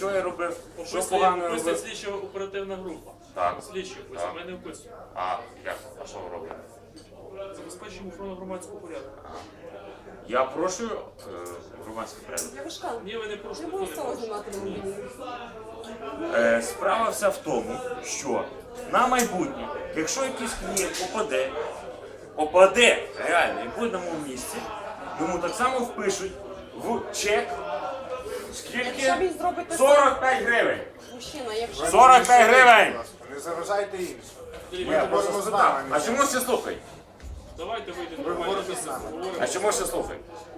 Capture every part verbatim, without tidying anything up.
що я робив, що Описує, погано я описує робив. слідча оперативна група. Так. Слідчі, ось Так. ми не описуємо. А як? А що ви робите? Забезпечуємо охорону громадського порядку. Я порушую е, громадський порядок. Я вишкала. Ні, ви не Не порушуєте. було хто не стало порушує. знімати на мобільний. Е, справа вся в тому, що на майбутнє, якщо якийсь клієнт опаде, опаде реально і буде на моєму місці, йому так само впишуть в чек Якщо скільки? він зробить те сорок п'ять гривень. Мужчина, якщо... сорок п'ять гривень! Не заважайте іншим. Я просто можемо з спитав. вами. А чому всі слухають? Давайте вийдемо. Ви говорите з нами. А чому всі слухають?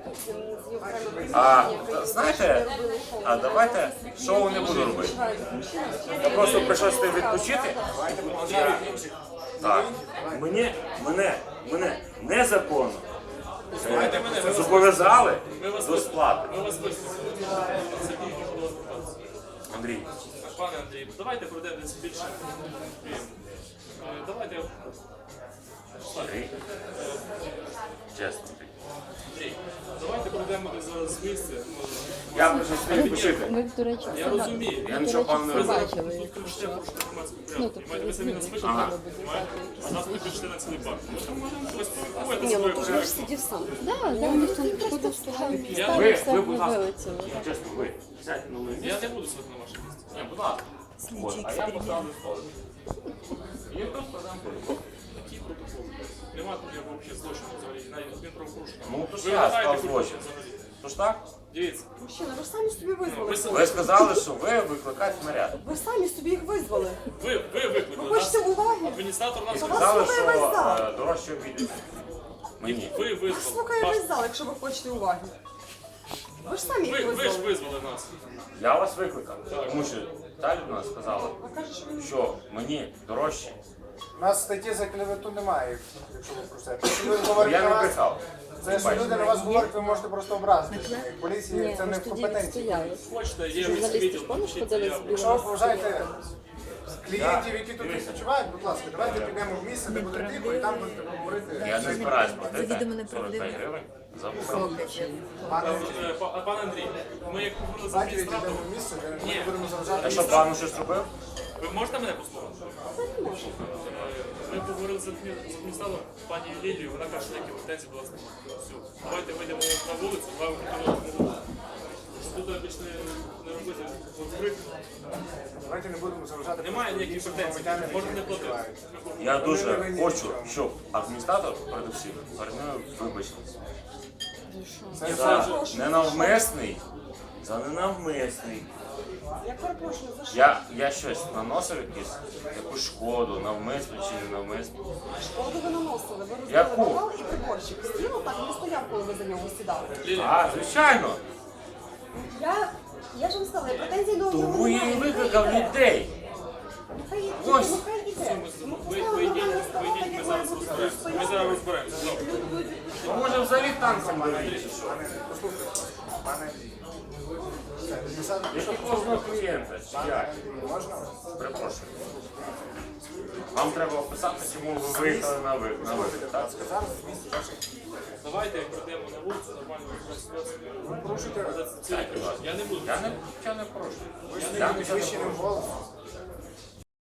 А, знаєте, а давайте шоу не буду робити. Я просто прийшов сюди відпочити. Я, так, мені, мене, мене незаконно Слухайте мене, ми вас зобов'язали Ми вас до сплати. Ми вас вислухали. Сергій, можу до вас звертатися. Андрій, Пане Андрій, давайте пройдемо десь більше. Е, Давайте. Андрій, чесно, Андрій. Андрій, давайте пройдемо десь зараз з місця. Я прийшов сюди відпочити. Ми, до речі, Я все розумію. ба- Я ми, нічого до речі, пану не все розумію. бачили, Тут кричите якщо... про громадський Ну, порядок. тобто, Маєте ви самі ну, нас якщо викликали? треба буде А нас ви кричите на цілий парк. Ну, то можемо хтось поспілкуєте Ні, ну ти ж своє. ж сидів сам. Да, да, ніхто не приходив з Ви, підстави, все ви, ми будь ласка, вилетіли. я чесно, ви сядьте на моє Я місце. не буду сидіти на вашому місці. Ні, будь ласка. От, а я поставлю столик. І просто дам протокол. Який протокол? Нема тут як взагалі злочину взагалі, навіть адмінправопорушення. Ну, то ж Ви я вважаєте склав хоч злочин. щось взагалі? Тож так? Дивіться, Мужчина, ви ж самі собі визвали. ви, Ви сказали, що ви викликаєте наряд. Ви самі собі їх визвали. ви, ви Ви викликали хочете нас. уваги? Адміністратор нас І вас сказали, слухає що весь зал. е, дорожче обійдеться. Мені. Ви Вас визвали. слухає Ваш- весь зал, якщо ви хочете уваги. Ви ж самі Ви, їх ви ж визвали. визвали нас. Я вас викликав, тому що та людина сказала, А каже, що ви... що мені дорожче. У нас статті за клевету немає, якщо ви про це. Якщо ви Я говорите не на вас, брехав. це що люди на вас говорять, ви можете просто образити. Поліції Ні, це ми не ж в тоді компетенції. відстояли. Хочете, є Журналісти відділ, ж помніш, пишіть ходили з заяву. Якщо ви білими поважаєте стрічками? клієнтів, які тут відпочивають, будь ласка, давайте підемо в місце, де буде тихо, і там будете говорити. Я не збираюсь платити Завідомо сорок неправдиво. п'ять гривень за вухо. Пане, Е, па- а, Пане Андрій, ми як говорили з давайте адміністратором, відійдемо в місце, де ми Ні. не будемо заважати. А що, пану щось робив? ви можете мене послухати? Ми поговорили з адмі- з адміністратором, пані Лілією, вона каже, що які претензії до вас немає. Все, давайте вийдемо на вулицю, два вихідні. Тут більше не, не робити відкрити. Давайте не будемо заважати. Немає ніяких претензій, громадянам, можна не які платити. відпочивають. Я Вони дуже не винні хочу, в цьому. щоб адміністратор передусім перед мною вибачився. Це За ненавмисний, за ненавмисний. Я перепрошую, за що? Я, я щось наносив якісь, якусь шкоду, навмисно чи не навмисно. Шкоду ви наносили. Ви розбили Яку? бокал і приборчик. Стіл так не стояв, коли ви за нього сідали. А, звичайно. Я, я ж вам сказала, я претензій до нього Тому я і немає. викликав людей. Нехай Ось. йде, нехай йде. Ну, Ви, поставили ви йдіть, нормальне ви йдіть, ми ставлення, зараз має бути розберемося. Ми зараз розберемося. Добре. Ну, може взагалі танцем доріг. Пане, послухайте, пане Андрій. Все, підписати Які кожного клієнта, чи як? можна? Перепрошую. Вам треба описати, чому ви виїхали на ви- на виклик, так? Сказав з місця ваших. Давайте пройдемо на вулицю, нормально розберемося. Ви порушуйте Це- це- Я не буду. Я не, я не порушую. ви ж Я не нічого не підвищеним порушую. голосом.